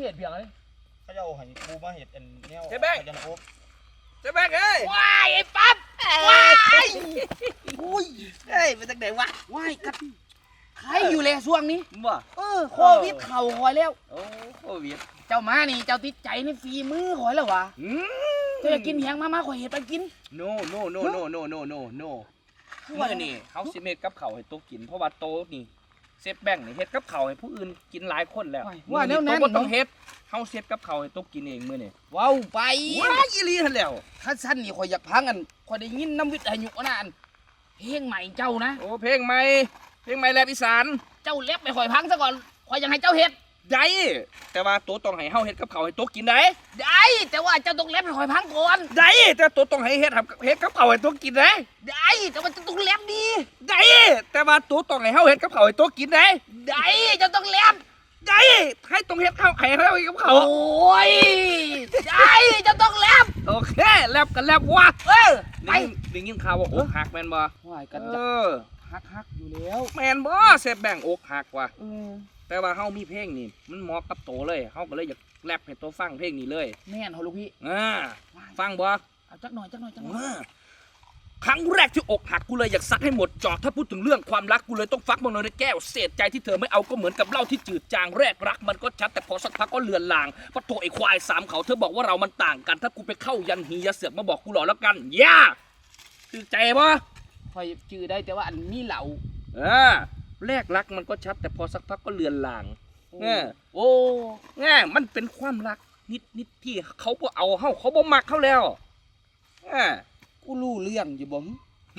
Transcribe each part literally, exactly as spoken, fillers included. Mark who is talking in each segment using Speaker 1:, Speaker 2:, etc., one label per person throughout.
Speaker 1: เห็ดเพียงเลย
Speaker 2: เขาจะเอาให้กูมาเห็ดอันเนี้ย
Speaker 3: เจ๊แบง
Speaker 2: จะนะโอ๊บ
Speaker 3: เจ๊แบงเอ้ย
Speaker 1: ว้ายไอ้ปั๊บว้ายอุ้ย
Speaker 3: เฮ้ยเป็นจังไดวะ
Speaker 1: ว้ายกัดใครอยู่เลยช่วงนี้
Speaker 3: บ่
Speaker 1: เออโควิดเข่าหอยแล้ว
Speaker 3: โอ้โควิด
Speaker 1: เจ้ามานี่เจ้าติดใจในฝีมือหอยแล้ววะ
Speaker 3: อืม
Speaker 1: เจ้าอยากกินแหงมามาขอยเห็ดไปกิน
Speaker 3: โนโนโนโนโนโนโนโนมื้อนี่เฮาสิเฮ็ดกับข้าวให้โตกินเพราะว่าโตนี่เซฟแบงค์นี่เฮ็ดกับข้าวให้ผู้อื่นกินหลายคนแล้ว
Speaker 1: ว่าแนวนั้น
Speaker 3: โตบ่ต้องเฮ็ดเฮาเฮ็ดกับข้าวให้โตกินเองมื้อนี่
Speaker 1: ว้าวไป
Speaker 3: ว้ายอีหลีหั่นแล้ว
Speaker 1: ถ้าสั้นนี่ข่อยอยากพังอันข่อยได้ยินน้ำวิทยุนะอันเพลงใหม่เจ้านะ
Speaker 3: โอ้เพลงใหม่เพลงใหม่แรปอีสาน
Speaker 1: เจ้าเล็บไปข่อยพังซะก่อนข่อยยังให้เจ้าเฮ็ด
Speaker 3: ได้แต่ว่าโตต้องให้เฮาเฮ็ดกับข้าวให้โตกินได้
Speaker 1: ได้แต่ว่าเจ้าต้องเล็บให้ข่อยพังก่อน
Speaker 3: ได้แต่โตต้องให้เฮ็ดครับเฮ็ดกับข้าวให้โตกินได้
Speaker 1: ได้แต่ว่าเจ้าต้องเล็บดี
Speaker 3: ได้แต่ว่าโตต้องให้เฮาเฮ็ดกับข้าวให้โตกินได้
Speaker 1: ได้เจ้าต้องเล็บ
Speaker 3: ได้ให้ต้องเฮ็ดข้าวให้เฮาเฮ็ดกับ
Speaker 1: โอ
Speaker 3: ข้าว้
Speaker 1: ยได้เจ้าต้องเล็บ
Speaker 3: โอเคแลบกันแลบวะ
Speaker 1: เออไป
Speaker 3: ได้ได้ยินข่าวว่าอกหักแม่นบ่
Speaker 1: ว่ายกัน
Speaker 3: เอ
Speaker 1: จะ
Speaker 3: อ
Speaker 1: ฮักฮักอยู่แล้ว
Speaker 3: แม่นบ่เซฟแบงอกหักว่ะ
Speaker 1: เออ
Speaker 3: แต่ว่าเฮามีเพลงนี่มันเหมาะกับโตเลยเฮาก็เลยอยากแรปให้โตฟังเพลงนี้เลย
Speaker 1: แม่นเหรอลูกพี่
Speaker 3: อ่าฟังบ่
Speaker 1: เอาจักหน่อยจักหน่อยจักหน่อย
Speaker 3: อ่าครั้งแรกที่อกหักกูเลยอยากซัดให้หมดจอกถ้าพูดถึงเรื่องความรักกูเลยต้องฟักมันในแก้วเศษใจที่เธอไม่เอาก็เหมือนกับเหล้าที่จืดจางแรกรักมันก็ชัดแต่พอสักพักก็เลือนลางเพราะโถไอ้ควายสามเขาเธอบอกว่าเรามันต่างกันถ้ากูไปเข้ายันฮียาเสือกมาบอกกูหล่อแล้วกันย่าคือใจบ่
Speaker 1: ข่อยจื้อได้แต่ว่าอันมีเหล่า
Speaker 3: เออแรกรักมันก็ชัดแต่พอสักพักก็เลือนลางเออ
Speaker 1: โอ้
Speaker 3: แง่มันเป็นความรักนิดนิดที่เขาบ่เอาเฮาเขาบ่มักเขาแล้วเออ
Speaker 1: กูรู้เรื่องอยู่บ่หึ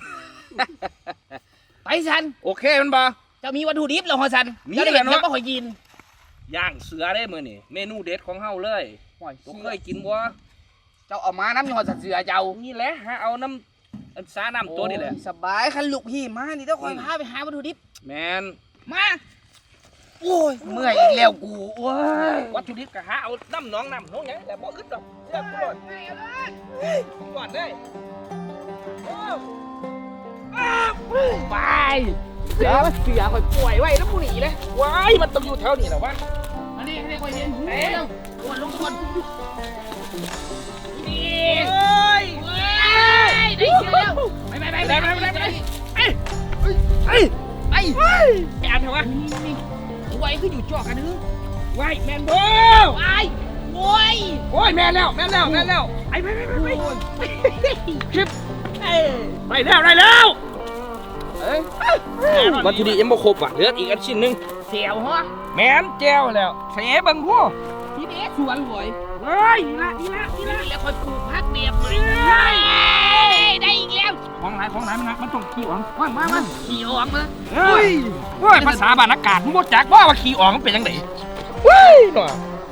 Speaker 1: ไปสัน
Speaker 3: โอเคมันบ่
Speaker 1: เจะมีวัตถุดิบแล้วฮอสัน
Speaker 3: มี
Speaker 1: เจ้าได้
Speaker 3: แห
Speaker 1: เห็
Speaker 3: ละ
Speaker 1: น
Speaker 3: เนาะ
Speaker 1: ยังบ่ข่อยยิน
Speaker 3: ย่างเสือได้มื้อนี่เมนูเด็ดของเฮาเลย
Speaker 1: ห่วย
Speaker 3: บ่เคยกินบ่
Speaker 1: เจ้าเอามาน้ำยังฮอสันเสือเจ้า
Speaker 3: นี่แหละหาเอาน้ำอันสาน้ำตัวนี่แหละ
Speaker 1: โอ้ยสบายคันลูกพี่มานี่เจ้าคอยพาไปหาวัตถุดิบ
Speaker 3: แมน
Speaker 1: มาโอ้ยเมื่อยอีกแล้วกูโอ้ย
Speaker 3: วัตถุดิบก็หาเอาน้ำหนองน้ำหนองหยังแต่บ่อึดดอกเลือกกูโลดก่อนได้โอ้อ้าว
Speaker 1: ไปเสือเสือคอยป่วยไว้แล้วกูหนีเลย
Speaker 3: ว้ายมันต้องอยู่แถวนี้แหละวะ
Speaker 1: มานี่ให้คอยเห็นเร็วทุกคนทุกคนนี่
Speaker 3: เอ้ย
Speaker 1: เว้ยได้เชือแล้วไปไปไปไปไปไปไป
Speaker 3: ไอ้ไอ้
Speaker 1: ไป
Speaker 3: แอนเหรอวะ
Speaker 1: นี่นี่ไว้คืออยู่จ่อกันนึง
Speaker 3: ว้ายแมนโบ้
Speaker 1: ไปโว้ย
Speaker 3: โอ้ยแมนแล้วแมนแล้วแมนแล้วไอ้ไปไปไปไปคลิปไปแล้วได้แล้วเอ้ยวัตถุดิบยังบ่ครบอ่ะเหลืออีกอันชิ้นหนึง
Speaker 1: เสียวฮะ
Speaker 3: แมนแจ้วแล้วเสบังพ่อ
Speaker 1: พี่เด็กสวนหวย
Speaker 3: เฮ้ยนี่ละนี่ละนี่ละ
Speaker 1: แล้วคอยปลูกพักเดียบเลยได้อีกแล้ว
Speaker 3: ของหลายของหลายมันนะมันต้องขี้อ่อง
Speaker 1: มามามาขี่ออกมา
Speaker 3: เฮ้ยเฮ้ยภาษาบ้านอากาศมึงบ่จักว่าว่าขี้อ่องมันเป็นจังไดเฮ้ยหน่อย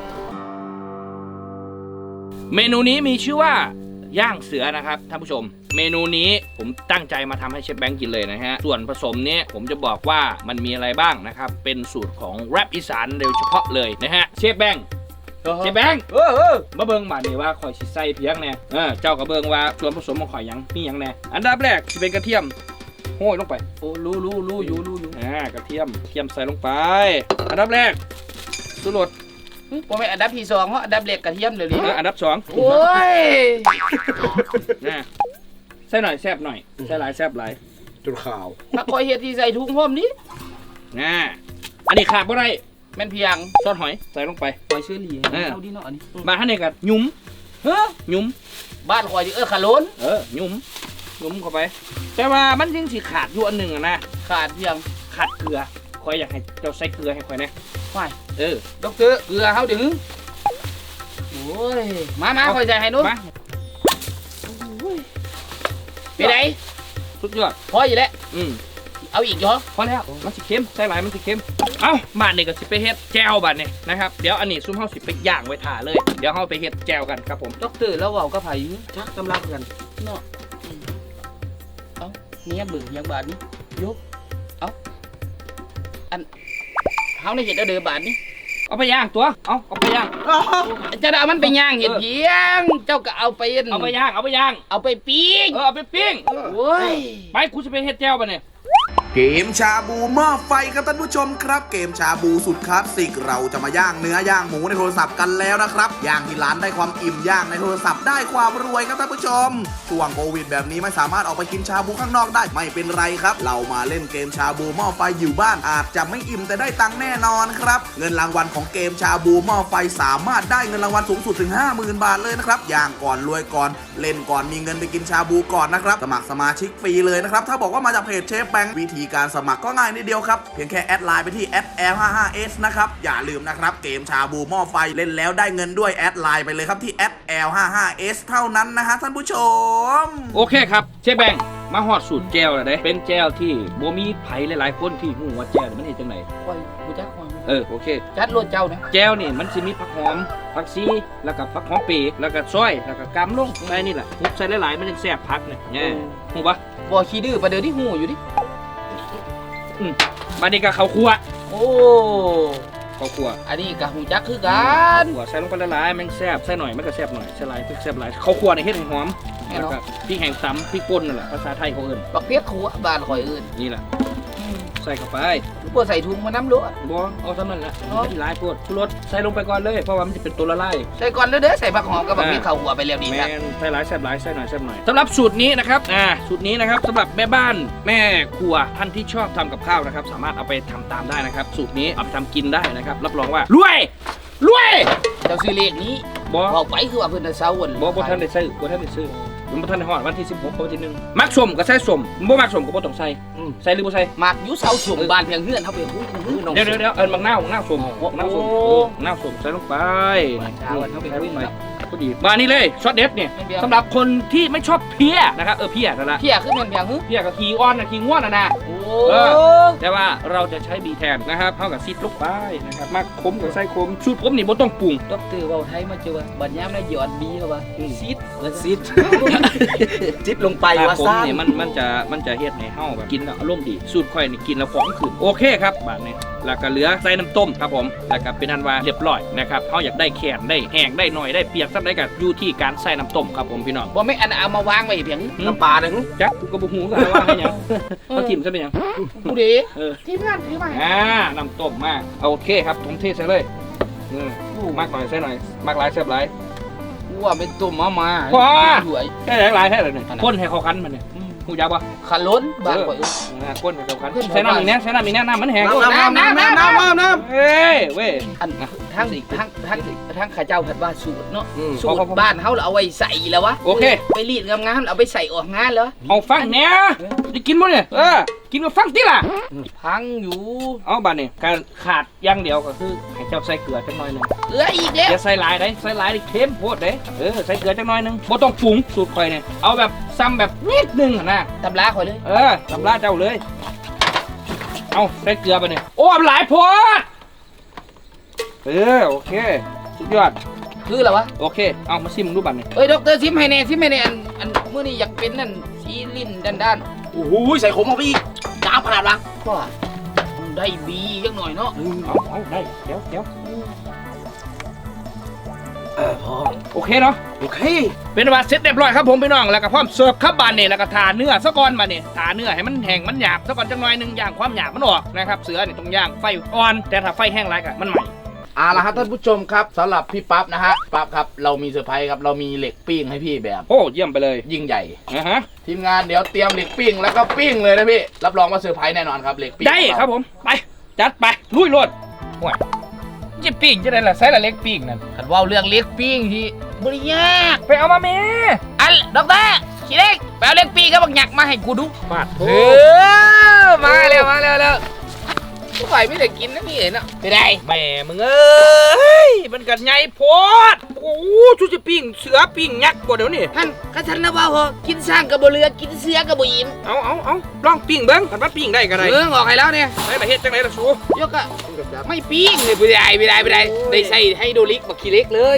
Speaker 3: เมนูนี้มีชื่อว่าย่างเสือนะครับท่านผู้ชม เมนูนี้ผมตั้งใจมาทำให้เชฟแบงค์กินเลยนะฮะส่วนผสมเนี้ยผมจะบอกว่ามันมีอะไรบ้างนะครับเป็นสูตรของแรปอีสานโดยเฉพาะเลยนะฮะเชฟแบงค์เชฟแบงค์เออเออมาเบิ่งมานี่ว่าข่อยสิใส่เพียงแน่เออเจ้าก็เบิ่งว่าส่วนผสมของข่อยหยังมีหยังแน่อันดับแรกสิเป็นกระเทียมโห้ยลงไป
Speaker 1: โอ้รู้รู้รู้อยู่รู้อยู่
Speaker 3: อ่ากระเทียมเทียมใส่ลงไปอันดับแรกสุรส
Speaker 1: ผมเป็นอันดับที่สองเพราะอันดับเล็กกระเทียมเดี๋ยวนี้
Speaker 3: เอออันดับสอง
Speaker 1: โอ้ย
Speaker 3: นะใส่หน่อยแซ่บหน่อยใส่หลายแซ่บหลาย
Speaker 2: จนขาว
Speaker 1: ถ้าคอยเห็ดที่ใส่ถุงห่มนี้
Speaker 3: นะอันนี้ขาดบ่ได้
Speaker 1: แม่นเพียง
Speaker 3: ซอสหอยใส่ลงไป
Speaker 1: คอยชื่อหลี
Speaker 3: เออ
Speaker 1: เอาดีเนาะอันนี้
Speaker 3: มาท่านนี้กันหยุ้ม
Speaker 1: เฮ้อ
Speaker 3: หยุ้ม
Speaker 1: บ้านคอยดิเออขาโลน
Speaker 3: เออหยุ้มหยุ้มเข้าไป แต่ว่ามันยังสิขาดอยู่อันหนึ่งอะนะ
Speaker 1: ขาดเพียง
Speaker 3: ขาดเกลือคอยอยากให้เจ้าใส่เกลือให้คอยนะ
Speaker 1: ไป
Speaker 3: เออ
Speaker 1: ด็อกเตอร์เกลือเขาถึงโอ้ยมามาคอยใจให้นู้น
Speaker 3: มา
Speaker 1: ไปไหน
Speaker 3: สุดยอด
Speaker 1: พออยู่แล้ว
Speaker 3: อืม
Speaker 1: เอาอีกเหรอ
Speaker 3: พอแล้วมันสิเค็มใส่หลายมันสิเค็มเอ้าบาดนี่ก็สิไปเฮ็ดแจ่วบาดนี่นะครับเดี๋ยวอันนี้ซุ่มเฮาสิไปย่างไว้ถ่าเลยเดี๋ยวเฮาไปเฮ็ดแจ่วกันครับผม
Speaker 1: ด็อกเตอร์แล้วเว่าก็ไผ่ชัก
Speaker 2: กำลังกัน
Speaker 1: เนาะอืมเอาเนี่ยเบิ่งยังบาทนี้ยกเอาอันเขาในเห็ดเอาเดือบาทนี้
Speaker 3: เอาไปย่างตัวเอาเอาไปย่าง
Speaker 1: จะได้เอามันไปย่างเห็ดเพียง เจ้าก็เอาไป
Speaker 3: เอาไปย่างเอาไปย่าง
Speaker 1: เอาไปปิ้ง
Speaker 3: เออเอาไปปิ้ง
Speaker 1: โอ้ย
Speaker 3: ไปกูจะไปเฮ็ดแจ่วบาดนี่
Speaker 4: เกมชาบูหม้อไฟครับท่านผู้ชมครับเกมชาบูสุดคลาสสิกเราจะมาย่างเนื้อย่างหมูในโทรศัพท์กันแล้วนะครับย่างที่ร้านได้ความอิ่มย่างในโทรศัพท์ได้ความรวยครับท่านผู้ชมช่วงโควิดแบบนี้ไม่สามารถออกไปกินชาบูข้างนอกได้ไม่เป็นไรครับเรามาเล่นเกมชาบูหม้อไฟอยู่บ้านอาจจะไม่อิ่มแต่ได้ตังค์แน่นอนครับเงินรางวัลของเกมชาบูหม้อไฟสามารถได้เงินรางวัลสูงสุดถึง ห้าหมื่น บาทเลยนะครับย่างก่อนรวยก่อนเล่นก่อนมีเงินไปกินชาบูก่อนนะครับสมัครสมาชิกฟรีเลยนะครับถ้าบอกว่ามาจากเพจเชฟแบงค์วิธีการสมัครก็ง่ายนิดเดียวครับเพียงแค่แอดไลน์ไปที่ แอท แอล ห้าสิบห้า เอส นะครับอย่าลืมนะครับเกมชาบูหม้อไฟเล่นแล้วได้เงินด้วยแอดไลน์ไปเลยครับที่ แอท แอล ห้าสิบห้า เอส เท่านั้นนะฮะท่านผู้ชม
Speaker 3: โอเคครับเชฟแบงค์มาฮอดสูตรแจวแล้วเด้เป็นแจวที่บ่มีไผหลายๆคนที่ฮู้ว่าแจวนี่มันเฮ็ดจังได๋
Speaker 1: คอยกูจักคอย
Speaker 3: เออโอเค
Speaker 1: จัดรถเจ้านะ
Speaker 3: แจวนี่มันสิมีผักหอมผักชีแล้วก็ผักหอมเปรย์แล้วก็ซอยแล้วก็กำลงใส่นี่แหละคลุกใส่หลายๆมันจังแซ่บผักเนี่ยแน่ฮู้ปะ
Speaker 1: บ่ขี้ดื้อประเดี๋ยวที่หูอยู่ดิ
Speaker 3: อืมบัดนี้ก็ข้าวคั่ว
Speaker 1: โอ้
Speaker 3: ข้าวคั่ว
Speaker 1: อันนี้ก็หูจักคือกัน
Speaker 3: หัวใส่ลงไปละลายมันแซ่บใส่หน่อยมันก็แซ่บหน่อยใส่หลายแซ่บหลายข้าวคั่วนี่เฮ็ดให้หอมแล้วก็พริกแห้งตำพริกป่นนั่นแหละภาษาไทยเขาเอิ้น
Speaker 1: บักเพียกขัวบ้านข่อยอื่น
Speaker 3: นี่แหละใส่เข้าไป
Speaker 1: บ่ใส่ถุงมาน้ำรถ
Speaker 3: บ่เอาเท่านั้นแหละไม่ได้หลายโพดชูรสใส่ลงไปก่อนเลยเพราะว่ามันจะเป็นตัวละลาย
Speaker 1: ใส่ก่อนเด้อเด้อใส่ผักหอมกับบักเพียกข้าวหัวไปแล้วดี
Speaker 3: แม
Speaker 1: นะ
Speaker 3: นใส่หลายแซ่บหลายใส่หน่อยแซ่บหน่อยสำหรับสูตรนี้นะครับอ่าสูตรนี้นะครับสำหรับแม่บ้านแม่ครัวท่านที่ชอบทำกับข้าวนะครับสามารถเอาไปทำตามได้นะครับสูตรนี้เอาไปทำกินได้นะครับรับรองว่ารวยรวย
Speaker 1: เจ้าซื้อเลขนี้
Speaker 3: บ่
Speaker 1: เอาไปคือว่าเพิ่นจะเซาวัน
Speaker 3: บ่บ่ท่านได้ซื้อบ่ท่านได้ซื้อมันบ่ท่านได้ฮอดวันที่สิบหกวันที่หนึ่งมักส้มก็ใส่ส้มบ่มักส้มก็บ่ต้องใส่ใส่หรือบ่ใส่
Speaker 1: มากอยู่เซาสุ่มบ้านเพียงเฮือนเฮาเป็นผู้ผู้น้อง
Speaker 3: เดี๋ยวเดี๋ยวเดี๋ยวเอิ้นมักนาวมักนาวส้มมักนาวส้ม
Speaker 1: โอ้
Speaker 3: เออมักนาวส้มใส่ลงไป
Speaker 1: บ้านเช้าเฮาเป็น
Speaker 3: ใส่ล
Speaker 1: ผู้
Speaker 3: งไป
Speaker 1: น้อง
Speaker 3: พอดีมานี่เลยช็อตเด็ดเนี่ย
Speaker 1: ไม่เบี้ยว
Speaker 3: สำหรับคนที่ไม่ชอบเพี้ยนะครับเออเพี้ยนั่นแหละ
Speaker 1: เพียคือแม่นเพียงฮึ
Speaker 3: เพี้ยกับขี้อ้อนนะขี้ง่วนนะนะ
Speaker 1: โอ้
Speaker 3: เอ แต่ว่าเราจะใช้บีแทนนะครับเท่ากับซิดลูกไปนะครับมาคมกับไส้คมสูตรผมนี่บ่ต้องปรุง
Speaker 1: ดอกเตอร์เว้าไทยมาเจอว่าบัดยามได้หยอดบีเข้าว่าซิดเออซิด
Speaker 2: จิบลงไป
Speaker 3: แต่
Speaker 2: ว่า
Speaker 3: ผม
Speaker 2: ซ่า
Speaker 3: เนี่ยมันมันจะมันจะเฮ็ดให้เฮาแบบกินแล้วอารมณ์ดีสูตรข่อยนี่กินแล้วของขึ้นโอเคครับบาดนี้แล้วก็เหลือใส่น้ำต้มครับผมแล้วก็เป็นอันว่าเรียบร้อยนะครับเฮาอยากได้แข็งได้แห้งได้หน่อยได้เปียกสักได้ก็อยู่ที่การใส่น้ำต้มครับผมพี่น้อง
Speaker 1: บ่แม่นอันเอามาวางไว้เพียง
Speaker 2: น้ำปลาหนึ่ง
Speaker 3: จักกูก็บ่ฮู้กันว่าให้หยังเขาทิ่มซะเป็นหยัง
Speaker 1: ผู้ดี
Speaker 3: เออ
Speaker 1: ที่งานถือมา
Speaker 3: อ่าน้ำต้มมากโอเคครับผมเทใส่เลยอืมมากหน่อยใส่หน่อยมากหลายแซ่บหลาย
Speaker 1: กูว่าเป็นตุ่มมามา
Speaker 3: พอ
Speaker 1: ด้วย
Speaker 3: แค่หลายแค่ไหนเนี่ยก้นให้เขาคันมันเนี่ยหูยักษ์ปะ
Speaker 1: ขันล้นบ้านข่อย
Speaker 3: อ่าก้นให้เขาคันใส่น้ำอีกแน่ใส่น้ำอีกแน่น้ำมันแห้ง
Speaker 2: น้ำน้ำน้ำน้ำน้ำน้ำ
Speaker 3: เฮ้ยเว้ย
Speaker 1: อันทั้งทั้งทั้งทั้งข้าเจ้าผัดว่าสูตรเนาะ
Speaker 3: อืม
Speaker 1: สูตรบ้านเฮาเอาไว้ใส่แล้ววะ
Speaker 3: โอเค
Speaker 1: ไปรีดงามๆเอาไปใส่ออกงานแล้ว
Speaker 3: เอาฟังเนี่ยจะกินมั้ยเนี่ยเออกินมาฟังติล่ะ
Speaker 1: พังอยู่
Speaker 3: เอาบ้านนี่การขาดอย่างเดียวก็คือให้เจ้าใส่เกลือจังหน่อยนึง
Speaker 1: เหลืออีกแล้ว
Speaker 3: อย่าใส่หลายได้ใส่หลายได้เค็มโพดเด้เออใส่เกลือจังหน่อยนึงบ่ต้องปรุงสูตรข่อยเนี่ยเอาแบบซ้ำแบบนิดนึงนะ
Speaker 1: ตำราข่อยเลย
Speaker 3: เออตำราเจ้าเลย เอาใส่เกลือไปเนี่ยโอ้หลายโพดเออโอเคสุดยอด
Speaker 1: คืออะไรวะ
Speaker 3: โอเคเอามาซิมดูบัตรนี่
Speaker 1: เอ้ยด็อกเตอร์ซิมให้แน่ซิมให้แน่อันอันมื้อนี้อยากเป็นนั่นสีลิ้นด้าน
Speaker 2: โอ้โหใส่ขมเอาไปอีกจ้าขนาดละ
Speaker 1: ๆก็ได้บีจักหน่อยเนาะ
Speaker 3: เอาเอาได้เดี๋ยวเดี๋ยว
Speaker 2: เออพอ
Speaker 3: โอเคเนาะ
Speaker 2: โอเค
Speaker 3: เป็นว่าเสร็จเรียบร้อยครับผมพี่น้องแล้วก็พร้อมเสิร์ฟครับบานนี่แล้วก็ทาเนื้อซะก่อนบานนี่ทาเนื้อให้มันแห้งมันหยาบซะก่อนจังหน่อยหนึงย่างความหยาบมันออกนะครับเสือนี่ต้องย่างไฟอ่อนแต่ถ้าไฟแห้งไรก็มันใหม่
Speaker 1: เอาละครับท่านผู้ชมครับสำหรับพี่ปั๊บนะฮะปั๊บครับเรามีเซอร์ไพรส์ครับเรามีเหล็กปิ้งให้พี่แบบ
Speaker 3: โอ้เยี่ยมไปเลย
Speaker 1: ยิ่งใหญ่
Speaker 3: นะฮะ
Speaker 1: ทีมงานเดี๋ยวเตรียมเหล็กปิ้งแล้วก็ปิ้งเลยนะพี่รับรองว่าเซอร์ไพรส์แน่นอนครับเหล็กปิ้ง
Speaker 3: ได้ครับผมไปจัดไปลุยโลดโอ้ยจะปิ้งจะได้ละใส่ละเล็กปิ้งนั่น
Speaker 1: ขันว่าเรื่องเหล็กปิ้งที่บริยาก
Speaker 3: ไปเอามาเม
Speaker 1: อันด็อกเตอร์ขี้เล็กไปเอาเหล็กปิ้งกับบักหยักมาให้กูดู
Speaker 3: ปาดโถ
Speaker 1: เออมาแล้วมาแล้วแล้วผู้ฝ่ายไม่ได้กินนะนี่เห็นอ่ะไม่ได้
Speaker 3: แม่มึงเอ้ยมันกันใหญ่โพดโอ้ชุดจะปิ้งเสือปิ้งยักษ์กว่าเดี๋ยวนี้
Speaker 1: ท่านกระทันนะว่าเหรอกินสร้างกับบเรือกินเสือกับบุอิ่ม
Speaker 3: เอาเอาเอาลองปิ้งเบิ้งกันว่าปิ้งได้กันไร
Speaker 1: เออออกให้แล้วเนี่ย
Speaker 3: ได้ละเฮ็ดจังไรล่ะสู
Speaker 1: ยกอะไม่ปิ้งเลยไม่ได้ไม่ได้ไม่ได้ได้ใส่ให้โดลิกบักขี้เล็กเลย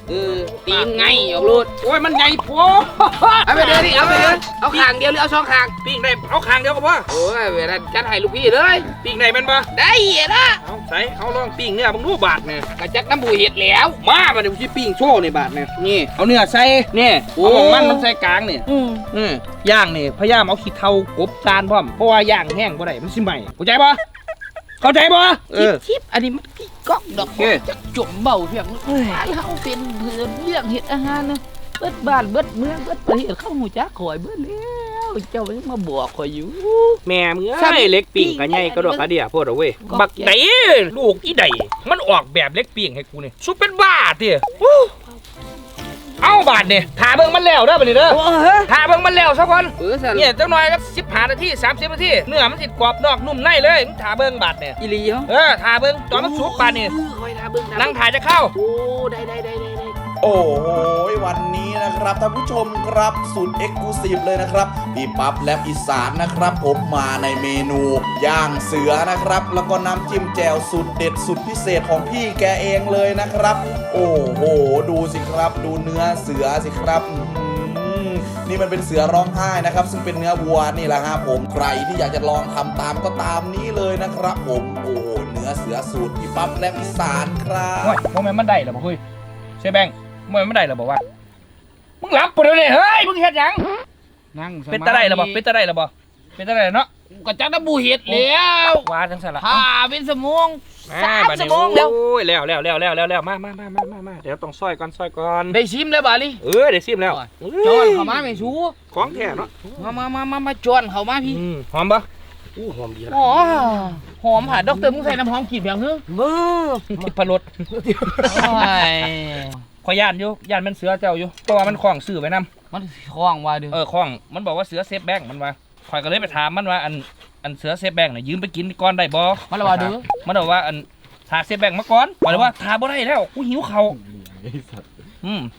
Speaker 1: เออตีนไงออกรูด
Speaker 3: โอ้ยมันใหญ่โพ
Speaker 1: เอาไปเดินดิเอาไปเดินเอาขางเดียวหรือเอาสองขาง
Speaker 3: ปิ้งได้เอาคางเดียวก็พอ
Speaker 1: โอ้ยเวลาจัดให้ลูกพี่เลย
Speaker 3: ปิ้งได้เป็นปะ
Speaker 1: ได้นะ
Speaker 3: เอาใส่เอาลองปิ้งเนื้อบังรูบาทเนี่ย
Speaker 1: กระจัดน้ำบูเห็ดแล้ว
Speaker 3: มามาเดี๋ยวพี่ปิ้งโชว์ในบาทเนี่ยนี่เอาเนื้อใส่เนี่ย
Speaker 1: โอ้
Speaker 3: เอาของมันมันใส่กลางเนี่ย
Speaker 1: อืม
Speaker 3: อืมย่างนี่พยายามเอาขี้เถ้ากบจานพร้อมเพราะว่าย่างแห้งบ่ได้มันสิใหม่เข้าใจปะเข้าใจปะเอ
Speaker 1: ทิป
Speaker 3: อ
Speaker 1: ทิปอันนี้มันพี่ก๊อกดอก
Speaker 3: โอเค
Speaker 1: จักจุ่มเบาเพียงถ้าเราเป็นเพื่อนเรื่องเห็ดอาหารนะเบิดบ้านเบิดเมืองเบิดประเทศเข้าหูจักข่อยเบิดแล้วเจ้ายังมาบอกข่อยอยู่
Speaker 3: แม่มึง
Speaker 1: ซ้ำ
Speaker 3: ไอ้เล็กปิ้งกันใหญ่กระดอกกระเดียโพดเอาเว้ย
Speaker 1: ก็
Speaker 3: บักไดลูกอีไดมันออกแบบเล็กปิ้งให้กูนี่สุดเป็นบ้าเตี้ยเอาบาทเนี่ยถ่าเบิ่งมันแล้วเด้อบัดนี้เด้อ
Speaker 1: โอ้เฮ้ย
Speaker 3: ถ่าเบิ่งมันแล้วสักวัน
Speaker 1: เออสัน
Speaker 3: เนี่ยจังหน่อยก็สิบห้านาทีสามสิบนาทีเนื้อมันสิกรอบนอกนุ่มในเลยมึงถ่าเบิ่งบาทเนี่ย
Speaker 1: อีหลีเหรอ
Speaker 3: เออถ่าเบิ่งตอนมันสุกบาทนี่
Speaker 1: คอยทาเบิ่ง
Speaker 3: นั่งถ่ายจะเข้า
Speaker 1: โอ้ได้ได้ได้ได้ได้
Speaker 4: โอ้โหวันนี้นะครับท่านผู้ชมครับสุดเอ็กซ์คลูซีฟเลยนะครับพี่ปั๊บและอีสานนะครับผมมาในเมนูย่างเสือนะครับแล้วก็น้ำจิ้มแจ่วสุดเด็ดสุดพิเศษของพี่แกเองเลยนะครับ โอ้โหดูสิครับดูเนื้อเสือสิครับอื้อหือนี่มันเป็นเสือร้องไห้นะครับซึ่งเป็นเนื้อวัวนี่แหละครับผมใครที่อยากจะลองทำตามก็ตามนี้เลยนะครับผมโอ้โหเนื้อเสือสูตรพี่ปั๊บและอีสานครับ
Speaker 3: โอ้ยโมเมนต์มันได้เหรอบ่คุยใช่แบงค์โมเมนต์มันได้เหรอบอกว่ามึงหลับปะเดี๋ยวนี้เฮ้ยมึงเฮ็ดหยัง
Speaker 1: นั่ง
Speaker 3: เป็นตาได้เหรอบ่เป็นตาได้เหรอบ่เป็นตาได้เนาะ
Speaker 1: กระจัดน้ำบูเห็ดแล้ว
Speaker 3: ว่าจังซั่นล่ะ
Speaker 1: ผ่าเป็นสมองสาม
Speaker 3: บัด
Speaker 1: ส
Speaker 3: นี้
Speaker 1: มองแล้ว
Speaker 3: โอ้ยแล้วแล้วแล้วแล้วแล้วแล้วมามามามามามาเดี๋ยวต้องซอยก่อนซอยก่อน
Speaker 1: ได้ชิมแล้วบ่าลิ
Speaker 3: เออเดี๋ยวซิมแล้ว
Speaker 1: จอนเข้ามาไม่ชู
Speaker 3: ของแท้เนาะ
Speaker 1: มามามามามาจอนเข้ามาพี่
Speaker 3: อืมหอมปะ
Speaker 2: อู้หอมดีนะ
Speaker 1: อ๋อหอมผ่าดอกเตอร์มึงใส่น้ำหอมกลิ่นอย่างนึง
Speaker 2: มือ
Speaker 3: ทิพรส
Speaker 1: โอ้ย
Speaker 3: ขอย่านอยู่ย่านมันเสือเจ้าอยู่เพราะว่ามันคล้องซื้อไว้นำ
Speaker 1: มันคล้องว่าเด้อ
Speaker 3: เออคล้องมันบอกว่าเสือเซฟแบงค์มันว่าข่อยก็เลยไปถามมันว่าอันอันเสือเซฟแบงค์น่ะยืมไปกินก่อนได้บ่
Speaker 1: มันละว่าเด้อ
Speaker 3: มันบอกว่าอันทาเซฟแบงค์มาก่อนบอกเลยว่าทาบ่ได้แล้วกูหิวเขาวอืม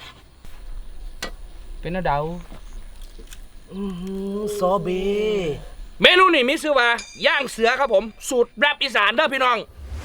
Speaker 1: เป็นน้าเดา
Speaker 2: ซอเบ
Speaker 3: เมนูนี่มีชื่อว่าย่างเสือครับผมสูตรแรปอีสานเด้อพี่น้อง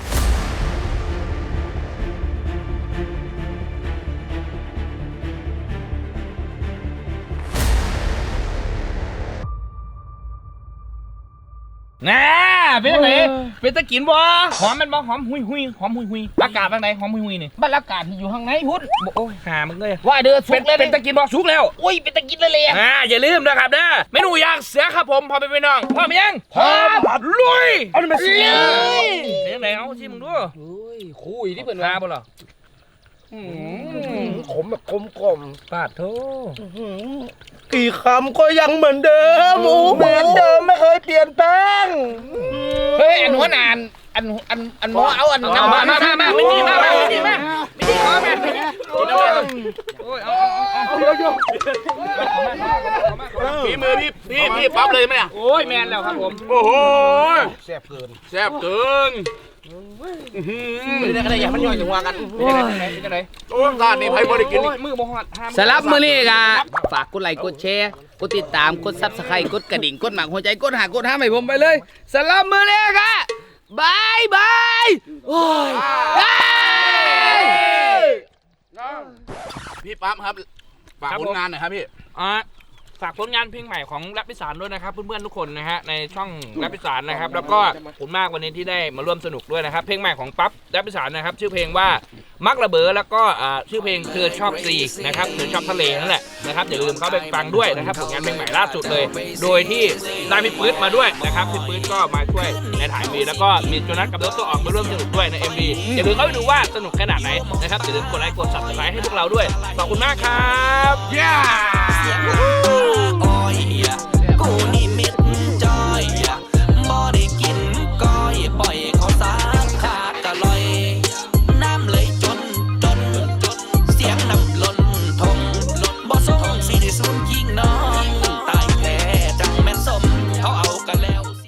Speaker 3: น่าเป็นไงเป็นตะกินบ่หอมมันบ่หอมหุยหุยหอมหุยหุยอากาศเป็นไงหอมหุยหุยนี่
Speaker 1: บรรยากาศที่อยู่ข้างในพุ่น
Speaker 3: บ่โอ้ยหามึงเลย
Speaker 1: ว่าเด้อสุ
Speaker 3: เป็น
Speaker 1: กเลย
Speaker 3: เป็นตะกินบ่สุกแล้ว
Speaker 1: อุ้ยเป็นตะกินเลยเลย
Speaker 3: อ่าอย่าลืมนะครับเด้อเมนูย่างเสือครับผมพอไปพี่น้องพร้อมยังพร้อมลุยเอาดิมาสิเป็นไงเอาสิมึงดู
Speaker 1: เฮ้ยคุยที่เพิ่น
Speaker 3: ทา
Speaker 1: ว่า
Speaker 3: บ่ล่ะ
Speaker 2: ขมแบบกลมกล่อม
Speaker 3: ปาดโธ่
Speaker 2: กี่คำก็ยังเหมือนเดิมโอ้เหมือนเดิมไม่เคยเปลี่ยนแปลง
Speaker 1: เฮ้ยอันหัวนานอันอันอันหมอเอาอัน
Speaker 3: มามามามาไม่ดีมาไม่ดีมาไม่ดีขอแม่กินเอาโอ้ยเอาเอาเอาเยอะๆ
Speaker 2: พี่มือพี่พี่พี่ปั๊บเลยไหมอ่ะ
Speaker 3: โอ้ยแมนแล้วครับผม
Speaker 2: โอ้โห
Speaker 3: แซ่บเกิน
Speaker 2: แซ่บเกิน
Speaker 3: ไม่ได้อะไรอย่างมันย่อยจังหวะกันเป็นยังไงเป็นยังไง
Speaker 2: โอ้ยร้านนี้ไผ่บริกิน
Speaker 3: โอ้ยมือบ่ฮอดห้าม
Speaker 1: สำหรับมื้อนี้ก็ฝากกดไลค์กดแชร์กดติดตามกด Subscribe กดกระดิ่งกดหมากหัวใจกดหากดห้ามให้ผมไปเลยสำหรับมื้อนี้ก็บายบายโอ้ยเฮ้ย
Speaker 2: พี่ปั๊บครับฝากผลงานหน่อยครับพี่
Speaker 3: อ่ะฝากผลงานเพลงใหม่ของแรปอีสานด้วยนะครับเพื่อนๆทุกคนนะฮะในช่องแรปอีสานนะครับแล้วก็ขอบคุณมากวันนี้ที่ได้มาร่วมสนุกด้วยนะครับเพลงใหม่ของปั๊บแรปอีสานนะครับชื่อเพลงว่ามักระเบอแล้วก็อ่าชื่อเพลงเธอชอบซีนะครับเธอชอบทะเลนั่นแหละนะครับอย่าลืมเข้าไปฟังด้วยนะครับผลงานเพลงใหม่ล่าสุดเลย โดยที่ได้พี่ปื๊ดมาด้วยนะครับพี่ปื๊ดก็มาช่วยในถ่าย เอ็ม วีแล้วก็มีโจนัสกับรถตัวออกมาร่วมสนุกด้วยใน เอ็ม วี อย่าลืมเข้าไปดูว่าสนุกขนาดไหนนะครับอย่าลืมกดไลค์กด ซับสไครบ์ ให้พวกเราด้วยขอบคุณมากครับ
Speaker 2: Yeah